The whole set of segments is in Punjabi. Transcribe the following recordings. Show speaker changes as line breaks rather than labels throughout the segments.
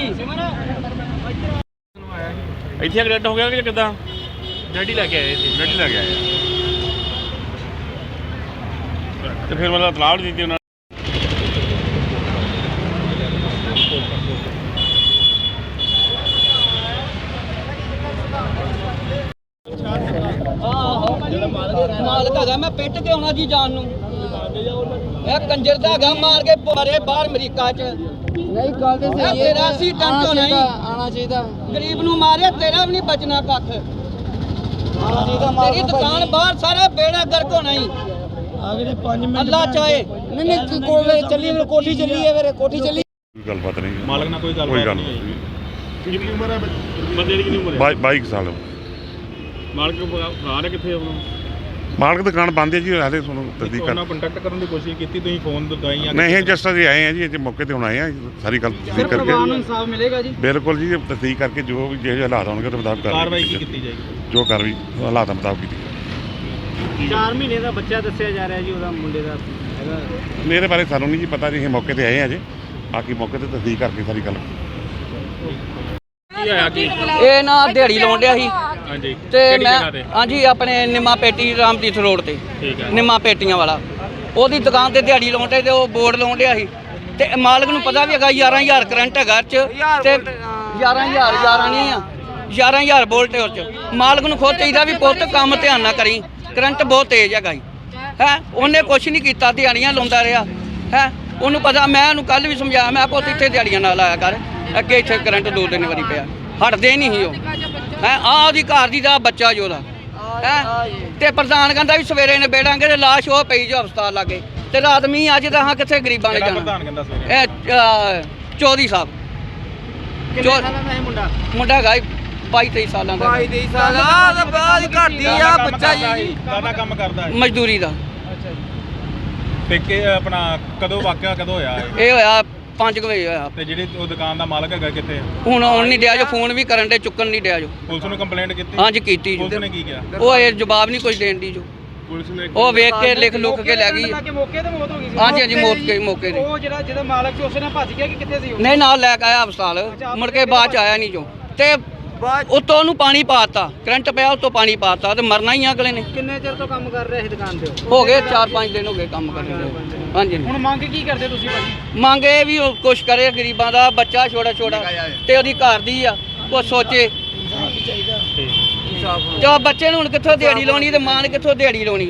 ਇੱਥੇ ਐਕਸੀਡੈਂਟ ਹੋ ਗਿਆ ਕਿ ਕਿੱਦਾਂ?
ਡੈਡੀ ਲੈ ਕੇ ਆਏ ਸੀ।
ਗੱਡੀ ਲੈ ਕੇ ਆਏ ਤੇ ਫਿਰ ਮਤਲਬ ਤਲਾਹ ਦਿੱਤੀ ਉਹਨਾਂ
ਮਾਲਕ ਹੈਗਾ ਮੈਂ ਪਿੱਟ ਕੇ ਆਉਣਾ ਜੀ ਜਾਨ ਨੂੰ ਇਹ ਕੰਜਰ ਦਾ ਹੈਗਾ ਮਾਰ ਕੇ ਮਾਰੇ ਬਾਹਰ ਅਮਰੀਕਾ 'ਚ
ਨਹੀਂ ਗੱਲ ਤੇ ਸਹੀ ਹੈ
83 ਟਨ ਝੋਨਾ
ਆਣਾ ਚਾਹੀਦਾ
ਗਰੀਬ ਨੂੰ ਮਾਰਿਆ ਤੇਰਾ ਵੀ ਨਹੀਂ ਬਚਣਾ ਕੱਖ
ਆਣਾ ਚਾਹੀਦਾ
ਤੇਰੀ ਦੁਕਾਨ ਬਾਹਰ ਸਾਰਾ ਬੇੜਾ ਗਰਕ ਹੋਣਾ ਹੀ
ਅਗਲੇ 5 ਮਿੰਟ
ਅੱਲਾ ਚਾਹੇ
ਨਹੀਂ ਕੋਲੇ ਚੱਲੀ ਕੋਠੀ ਚੱਲੀ ਹੈ ਫਿਰ ਕੋਠੀ ਚੱਲੀ
ਗੱਲਬਾਤ ਨਹੀਂ
ਮਾਲਕ ਨਾਲ ਕੋਈ ਗੱਲ
ਨਹੀਂ।
ਕਿੰਨੀ ਉਮਰ ਹੈ ਬੰਦੇ ਦੀ? ਕਿੰਨੀ ਉਮਰ ਹੈ?
22 ਸਾਲ
ਮਾਲਕ ਫਰਾਰ ਹੈ ਕਿੱਥੇ ਉਹਨਾਂ?
ਮਾਲਕ ਦੁਕਾਨ ਬੰਦ ਹੈ ਜੀ ਹਾਲੇ ਤੁਹਾਨੂੰ ਤਸਦੀਕ ਕਰ
ਉਹਨਾਂ ਕੰਟੈਕਟ ਕਰਨ ਦੀ ਕੋਸ਼ਿਸ਼ ਕੀਤੀ ਤੁਸੀਂ ਫੋਨ ਦਵਾਈਆਂ?
ਨਹੀਂ ਜਸਟ ਅਸੀਂ ਆਏ ਆ ਜੀ ਇੱਥੇ ਮੌਕੇ ਤੇ ਹੁਣ ਆਏ ਆ ਸਾਰੀ ਗੱਲ ਤਸਦੀਕ ਕਰਕੇ
ਇਨਸਾਫ ਮਿਲੇਗਾ ਜੀ
ਬਿਲਕੁਲ ਜੀ ਤਸਦੀਕ ਕਰਕੇ ਜੋ ਵੀ ਜਿਹੇ ਹਾਲਾਤ ਹੋਣਗੇ ਉਹਦੇ ਮੁਤਾਬਕ
ਕਾਰਵਾਈ ਕੀ ਕੀਤੀ ਜਾਏਗੀ?
ਜੋ ਕਾਰਵਾਈ ਹਾਲਾਤਾਂ ਮੁਤਾਬਕ ਕੀਤੀ
4 ਮਹੀਨੇ ਦਾ ਬੱਚਾ ਦੱਸਿਆ ਜਾ ਰਿਹਾ ਜੀ ਉਹਦਾ ਮੁੰਡੇ ਦਾ ਹੈਗਾ
ਮੇਰੇ ਬਾਰੇ ਸਾਨੂੰ ਨਹੀਂ ਜੀ ਪਤਾ ਜੀ ਅਸੀਂ ਮੌਕੇ ਤੇ ਆਏ ਆ ਜੀ ਬਾਕੀ ਮੌਕੇ ਤੇ ਤਸਦੀਕ ਕਰਕੇ ਸਾਰੀ ਗੱਲ
ਕੀ ਹੋਇਆ ਕੀ?
ਇਹ ਨਾ ਦਿਹਾੜੀ ਲਾਉਣ ਡਿਆ ਸੀ
ਹਾਂਜੀ
ਤੇ
ਕਿਹੜੀ
ਮੈਂ
ਜਗ੍ਹਾ ਤੇ?
ਹਾਂਜੀ ਆਪਣੇ ਨਿੰਮਾ ਪੇਟੀ ਰਾਮਦੀਤ ਰੋਡ ਤੇ
ਠੀਕ ਹੈ।
ਨਿੰਮਾ ਪੇਟੀਆਂ ਵਾਲਾ ਉਹਦੀ ਦੁਕਾਨ ਤੇ ਦਿਹਾੜੀ ਲਾਉਣ ਤੇ ਉਹ ਬੋਰਡ ਲਾਉਣ ਡਿਆ ਸੀ ਤੇ ਮਾਲਕ ਨੂੰ ਪਤਾ ਵੀ ਹੈਗਾ 11000 ਕਰੰਟ ਹੈਗਾ ਚ ਤੇ 11000 ਨਹੀਂ ਆ 11000 ਵੋਲਟ ਉਹ ਚ ਮਾਲਕ ਨੂੰ ਖੁਦ ਚਾਹੀਦਾ ਵੀ ਪੁੱਤ ਕੰਮ ਧਿਆਨ ਨਾਲ ਕਰੀ ਕਰੰਟ ਬਹੁਤ ਤੇਜ਼ ਹੈਗਾ ਜੀ ਹੈ ਉਹਨੇ ਕੁਛ ਨਹੀਂ ਕੀਤਾ ਦਿਹਾੜੀਆਂ ਲਾਉਂਦਾ ਰਿਹਾ ਹੈ ਉਹਨੂੰ ਪਤਾ ਮੈਂ ਉਹਨੂੰ ਕੱਲ ਵੀ ਸਮਝਾਇਆ ਮੈਂ ਪੁੱਤ ਇੱਥੇ ਦਿਹਾੜੀਆਂ ਨਾਲ ਆਇਆ ਕਰ ਅੱਗੇ ਇੱਥੇ ਕਰੰਟ 2-3 ਵਾਰੀ ਪਿਆ ਹਟਦੇ ਨਹੀਂ ਸੀ ਉਹ ਹੈ ਆਹ ਉਹਦੀ ਘਰ ਦੀ ਦਾ ਬੱਚਾ ਜੋ ਉਹਦਾ ਹੈ ਤੇ ਪ੍ਰਧਾਨ ਕਹਿੰਦਾ ਵੀ ਸਵੇਰੇ ਨਿਬੇੜਾਂਗੇ ਤੇ ਲਾਸ਼ ਉਹ ਪਈ ਜੋ ਹਸਪਤਾਲ ਲਾਗੇ ਤੇ ਰਾਤ ਮੀਂਹ ਅੱਜ ਤਾਂ ਹਾਂ ਕਿੱਥੇ ਗਰੀਬਾਂ ਨੇ ਜਾਣਾ
ਪ੍ਰਧਾਨ ਕਹਿੰਦਾ ਸਵੇਰੇ
ਇਹ ਚੌਧਰੀ ਸਾਹਿਬ ਮੁੰਡਾ ਹੈਗਾ 22-23 ਸਾਲਾਂ ਦਾ
22 ਸਾਲਾਂ ਦਾ ਬਾਅਦ ਘਟਦੀ ਆ ਬੱਚਾ ਜੀ
ਕਾਹਦਾ ਕੰਮ ਕਰਦਾ ਹੈ?
ਮਜ਼ਦੂਰੀ ਦਾ
ਤੇ ਕਿ ਆਪਣਾ ਕਦੋਂ ਵਾਕਿਆ ਕਦੋਂ ਹੋਇਆ ਇਹ?
ਇਹ ਹੋਇਆ 5 ਵਜੇ ਹੋਇਆ
ਤੇ ਜਿਹੜੀ ਉਹ ਦੁਕਾਨ ਦਾ ਮਾਲਕ ਹੈਗਾ ਕਿੱਥੇ?
ਹੁਣ ਆਉਣ ਨਹੀਂ ਡਿਆ ਜੋ ਫੋਨ ਵੀ ਕਰਨ ਦੇ ਚੁੱਕਣ ਨਹੀਂ ਡਿਆ ਜੋ
ਪੁਲਿਸ ਨੂੰ ਕੰਪਲੇਂਟ ਕੀਤੀ?
ਹਾਂਜੀ ਕੀਤੀ
ਪੁਲਿਸ
ਜੋ
ਨੇ ਕੀ ਕਿਹਾ?
ਉਹ ਇਹ ਜਵਾਬ ਨਹੀਂ ਕੁਝ ਦੇਣ ਦੀ ਜੋ
ਪੁਲਿਸ ਨੇ
ਉਹ ਵੇਖ ਕੇ ਲਿਖ ਲੁੱਕ ਕੇ ਲੈ ਗਈ
ਮੌਕੇ ਤੇ ਮੌਤ ਹੋ ਗਈ ਸੀ
ਹਾਂਜੀ ਹਾਂਜੀ ਮੌਕੇ ਤੇ
ਉਹ ਜਿਹਦਾ ਮਾਲਕ ਸੀ ਉਸੇ ਨਾਲ ਭੱਜ ਗਿਆ ਕਿ ਕਿੱਥੇ ਸੀ ਉਹ?
ਨਹੀਂ ਨਾਲ ਲੈ ਕੇ ਆਇਆ ਹਸਪਤਾਲ ਮੁੜ ਕੇ ਬਾਅਦ ਚ ਆਇਆ ਨਹੀਂ ਜੋ ਤੇ ਉੱਤੋਂ ਉਹਨੂੰ ਪਾਣੀ ਪਾਤਾ ਕਰੰਟ ਪਿਆ ਉੱਤੋਂ ਪਾਣੀ ਪਾਤਾ ਤੇ ਮਰਨਾ ਹੀ ਆ ਅਗਲੇ ਨੇ
ਕਿੰਨੇ ਚਿਰ ਤੋਂ ਕੰਮ ਕਰ ਰਹੇ ਸੀ ਦੁਕਾਨ ਤੇ
ਹੋ ਗਏ 4-5 ਦਿਨ ਹੋ ਗਏ ਕੰਮ ਕਰਦੇ ਹਾਂਜੀ
ਹੁਣ ਮੰਗ ਕੀ ਕਰਦੇ ਤੁਸੀਂ ਭਾਜੀ?
ਮੰਗ ਇਹ ਵੀ ਉਹ ਕੁਛ ਕਰੇ ਗਰੀਬਾਂ ਦਾ ਬੱਚਾ ਛੋਟਾ ਤੇ ਉਹਦੀ ਘਰ ਦੀ ਆ ਉਹ ਸੋਚੇ ਤੇ ਉਹ ਬੱਚੇ ਨੂੰ ਹੁਣ ਕਿੱਥੋਂ ਦਿਹਾੜੀ ਲਾਉਣੀ ਤੇ ਮਾਂ ਨੇ ਕਿੱਥੋਂ ਦਿਹਾੜੀ ਲਾਉਣੀ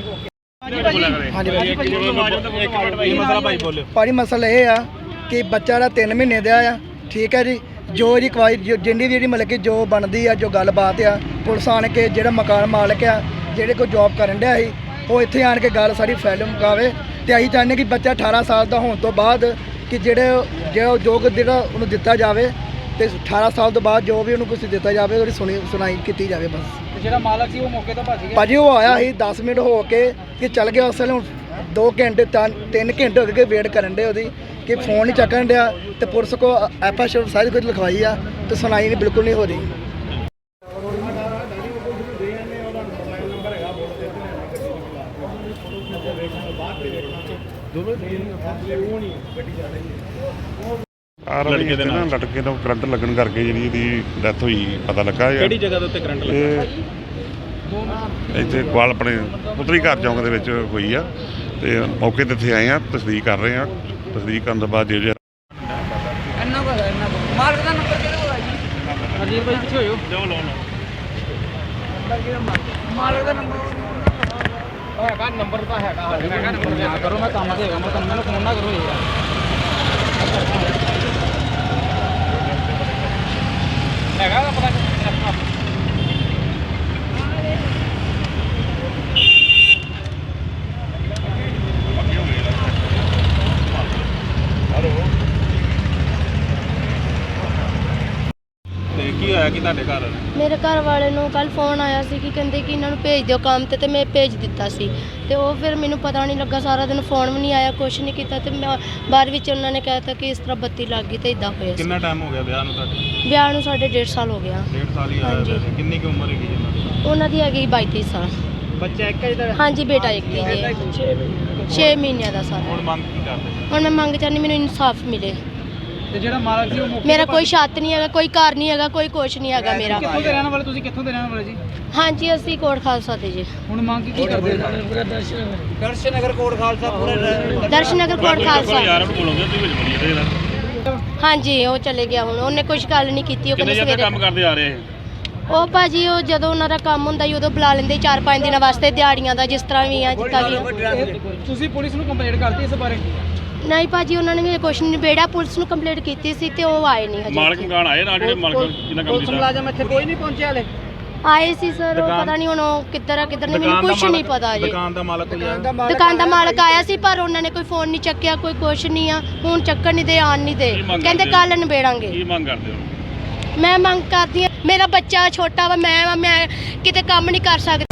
ਇਹ ਮਸਲਾ ਭਾਈ ਬੋਲਿਓ।
ਭਾਜੀ ਮਸਲਾ ਇਹ ਆ ਕਿ ਬੱਚਾ ਦਾ 3 ਮਹੀਨੇ ਦਾ ਆ ਠੀਕ ਹੈ ਜੀ ਜੋ ਇਹਦੀ ਕਵਾਈ ਜਿੰਨੀ ਵੀ ਜਿਹੜੀ ਮਤਲਬ ਕਿ ਜੋ ਬਣਦੀ ਆ ਜੋ ਗੱਲਬਾਤ ਆ ਪੁਲਿਸ ਆਣ ਕੇ ਜਿਹੜਾ ਮਕਾਨ ਮਾਲਕ ਆ ਜਿਹੜੇ ਕੋਈ ਜੌਬ ਕਰਨ ਡਿਆ ਸੀ ਉਹ ਇੱਥੇ ਆਣ ਕੇ ਗੱਲ ਸਾਰੀ ਫੈਲ ਮੁਕਾਵੇ ਤੇ ਅਸੀਂ ਚਾਹੁੰਦੇ ਕਿ ਬੱਚਾ 18 ਸਾਲ ਦਾ ਹੋਣ ਤੋਂ ਬਾਅਦ ਕਿ ਜਿਹੜਾ ਜਿਹੜਾ ਉਹਨੂੰ ਦਿੱਤਾ ਜਾਵੇ ਤੇ 18 ਸਾਲ ਤੋਂ ਬਾਅਦ ਜੋ ਵੀ ਉਹਨੂੰ ਕੁਝ ਦਿੱਤਾ ਜਾਵੇ ਉਹਦੀ ਸੁਣਾਈ ਕੀਤੀ ਜਾਵੇ ਬਸ।
ਜਿਹੜਾ ਮਾਲਕ ਸੀ ਉਹ ਮੌਕੇ ਤੋਂ ਭੱਜ ਗਿਆ
ਭਾਜੀ ਉਹ ਆਇਆ ਸੀ 10 ਮਿੰਟ ਹੋ ਕੇ ਕਿ ਚੱਲ ਗਿਆ ਉਸ ਵੇਲੇ ਹੁਣ 2 ਘੰਟੇ 3 ਘੰਟੇ ਹੋ ਗਏ ਵੇਟ ਕਰਨ ਦੇ ਉਹਦੀ ਕਿ ਫੋਨ ਨਹੀਂ ਚੱਕਣ ਡਿਆ ਤੇ ਪੁਲਿਸ ਕੋ ਐਫਆਈਆਰ ਸਾਰੀ ਕੁਝ ਲਿਖਵਾਈ ਆ ਤੇ ਸੁਣਾਈ ਨਹੀਂ ਬਿਲਕੁਲ ਨਹੀਂ ਹੋ ਰਹੀ।
ਲੜਕੇ ਦੇ ਨਾਲ ਲਟਕੇ ਨੂੰ ਕਰੰਟ ਲੱਗਣ ਕਰਕੇ ਜਿਹੜੀ ਇਹਦੀ ਡੈਥ ਹੋਈ ਪਤਾ ਲੱਗਾ ਯਾਰ
ਕਿਹੜੀ ਜਗ੍ਹਾ ਦੇ ਉੱਤੇ ਕਰੰਟ ਲੱਗਾ?
ਇਹ ਇੱਥੇ ਕੋਲ ਆਪਣੇ ਪੁੱਤਰੀ ਘਰ ਚੌਂਕ ਦੇ ਵਿੱਚ ਹੋਈ ਆ ਤੇ ਮੌਕੇ ਤੇ ਇੱਥੇ ਆਏ ਆ ਤਸਦੀਕ ਕਰ ਰਹੇ ਆ ਤਸਦੀਕ ਕਰਨ ਤੋਂ ਬਾਅਦ ਜੇ
ਇੰਨਾ ਕੋ ਮਾਲਕ ਦਾ ਨੰਬਰ ਕਿਹਦੇ ਕੋਲ ਆ ਜੀ? ਅਜੀਬ ਭਾਈ ਪਿੱਛੇ ਹੋਇਓ
ਜਾਓ ਲਾਓ
ਮਾਲਕ ਦਾ ਨੰਬਰ ਹੈਗਾ ਨੰਬਰ ਤਾਂ ਹੈਗਾ ਨੰਬਰ ਨਾ ਕਰੋ ਮੈਂ ਕੰਮ ਤੇ ਹੈਗਾ ਮੈਂ ਤੁਹਾਨੂੰ ਮੈਨੂੰ ਫੋਨ ਨਾ ਕਰੋ ਯਾਰ ਹੈਗਾ ਦਾ ਪਤਾ
ਤੇ ਕੀ ਹੋਇਆ ਕਿ ਤੁਹਾਡੇ ਘਰ?
ਮੇਰੇ ਘਰ ਵਾਲੇ ਨੂੰ ਕੱਲ ਫੋਨ ਆਇਆ ਸੀ ਕਿ ਕਹਿੰਦੇ ਕਿ ਇਹਨਾਂ ਨੂੰ ਭੇਜ ਦਿਓ ਕੰਮ ਤੇ ਮੈਂ ਭੇਜ ਦਿੱਤਾ ਸੀ ਤੇ ਉਹ ਫਿਰ ਮੈਨੂੰ ਪਤਾ ਨਹੀਂ ਲੱਗਾ ਸਾਰਾ ਦਿਨ ਫੋਨ ਵੀ ਨਹੀਂ ਆਇਆ ਕੁਛ ਨਹੀਂ ਕੀਤਾ ਤੇ ਮੈਂ ਬਾਅਦ ਵਿੱਚ ਉਹਨਾਂ ਨੇ ਕਹਿਤਾ ਕਿ ਇਸ ਤਰ੍ਹਾਂ ਬੱਤੀ ਲੱਗ ਗਈ ਤੇ ਇਦਾਂ ਹੋਇਆ ਸੀ।
ਕਿੰਨਾ ਟਾਈਮ ਹੋ ਗਿਆ ਵਿਆਹ ਨੂੰ ਤੁਹਾਡੇ?
ਵਿਆਹ ਨੂੰ ਸਾਡੇ 1.5 ਸਾਲ ਹੋ ਗਿਆ।
1.5 ਸਾਲ ਹੀ
ਹਾਂਜੀ।
ਆਇਆ। ਕਿੰਨੀ ਕੁ ਉਮਰ ਹੈਗੀ ਇਹਨਾਂ ਦੀ?
ਉਹਨਾਂ ਦੀ ਹੈਗੀ 22 ਸਾਲ।
ਬੱਚਾ ਇੱਕ ਹੈ ਜਿਹੜਾ
ਹਾਂਜੀ ਬੇਟਾ ਇੱਕ ਹੀ ਜੀ 6 ਮਹੀਨਿਆਂ ਦਾ ਸਾਰਾ।
ਹੁਣ ਮੰਗ ਕੀ ਕਰਦੇ?
ਹੁਣ ਮੈਂ ਮੰਗ ਚਾਹੁੰਦੀ ਮੈਨੂੰ ਇਨਸਾਫ ਮਿਲੇ।
ਤੇ ਜਿਹੜਾ ਮਾਲਕ ਸੀ ਉਹ ਮੌਕੇ
ਮੇਰਾ
ਤੇ
ਕੋਈ ਛੱਤ ਨਹੀਂ ਹੈਗਾ, ਕੋਈ ਘਰ ਨਹੀਂ ਹੈਗਾ, ਕੋਈ ਕੁਛ ਨਹੀਂ ਹੈਗਾ ਮੇਰਾ।
ਕਿੱਥੋਂ ਦੇ ਰਹਿਣ ਵਾਲੇ ਤੁਸੀਂ, ਕਿੱਥੋਂ ਦੇ ਰਹਿਣ ਵਾਲੇ ਜੀ?
ਹਾਂਜੀ ਅਸੀਂ ਕੋਟ ਖਾਲਸਾ ਦੇ ਜੀ।
ਹੁਣ ਮੰਗ ਕੀ ਕਰਦੇ ਹੋ?
ਦਰਸ਼ਨਗਰ ਕੋਟ ਖਾਲਸਾ ਪੂਰਾ
ਦਰਸ਼ਨਗਰ ਕੋਟ ਖਾਲਸਾ।
ਯਾਰ ਨੂੰ ਬੋਲੋਗੇ ਤੁਸੀਂ ਵਿੱਚ ਬੋਲੀ ਇਹਦੇ ਨਾਲ
ਹਾਂਜੀ ਉਹ ਚਲੇ ਗਿਆ, ਹੁਣ ਉਹਨੇ ਕੁਝ ਗੱਲ ਨਹੀਂ ਕੀਤੀ। ਉਹ
ਕਿੰਨੇ
ਕਹਿੰਦੇ
ਜਣੇ
ਸਵੇਰੇ
ਕੰਮ ਕਰਦੇ ਆ ਰਹੇ
ਉਹ ਭਾਜੀ ਉਹ ਜਦੋਂ ਉਹਨਾਂ ਦਾ ਕੰਮ ਹੁੰਦਾ ਸੀ ਉਦੋਂ ਬੁਲਾ ਲੈਂਦੇ 4-5 ਦਿਨਾਂ ਵਾਸਤੇ ਦਿਹਾੜੀਆਂ ਦਾ, ਜਿਸ ਤਰ੍ਹਾਂ ਵੀ ਆ ਜਿੱਦਾਂ ਵੀ ਆ।
ਤੁਸੀਂ ਪੁਲਿਸ ਨੂੰ ਕੰਪਲੇਂਟ ਕਰਤੀ ਇਸ ਬਾਰੇ?
ਨਹੀਂ ਭਾਜੀ ਉਹਨਾਂ ਨੇ ਕੁਛ ਨਹੀਂ ਨਿਬੇੜਿਆ, ਪੁਲਿਸ ਨੂੰ ਕੰਪਲੇਂਟ ਕੀਤੀ ਸੀ ਤੇ ਉਹ ਆਏ ਨਹੀਂ
ਮਾਲਕ
ਹਜੇ।
ਮਕਾਨ ਆਏ ਨਾਲ ਜਿਹੜੇ ਮਾਲਕ ਜਿਨ੍ਹਾਂ ਕੰਮ ਕੀਤਾ
ਮੁਲਾਜ਼ਮ ਇੱਥੇ ਕੋਈ ਨਹੀਂ ਪਹੁੰਚਿਆ ਹਲੇ।
ਆਏ ਸੀ ਸਰ, ਉਹ ਪਤਾ ਨਹੀਂ ਹੁਣ ਉਹ ਕਿੱਧਰ ਆ ਕਿੱਧਰ ਨਹੀਂ, ਮੈਨੂੰ ਕੁਝ ਨਹੀਂ ਪਤਾ ਜੀ।
ਦੁਕਾਨ ਦਾ ਮਾਲਕ ਕੋਈ ਆਇਆ?
ਦੁਕਾਨ ਦਾ ਮਾਲਕ ਆਇਆ ਸੀ ਪਰ ਉਹਨਾਂ ਨੇ ਕੋਈ ਫੋਨ ਨਹੀਂ ਚੱਕਿਆ, ਕੋਈ ਕੁਛ ਨਹੀਂ ਆ। ਹੁਣ ਚੱਕਣ ਨਹੀਂ ਦੇ, ਆਣ ਨਹੀਂ ਦੇ,
ਕੀ ਮੰਗ
ਕਹਿੰਦੇ
ਕਰਦੇ ਹੋ?
ਕੱਲ ਨਿਬੇੜਾਂਗੇ।
ਕੀ ਮੰਗ ਕਰਦੇ ਹੋ?
ਮੈਂ ਮੰਗ ਕਰਦੀ ਹਾਂ, ਮੇਰਾ ਬੱਚਾ ਛੋਟਾ ਵਾ, ਮੈਂ ਕਿਤੇ ਕੰਮ ਨਹੀਂ ਕਰ ਸਕਦੀ।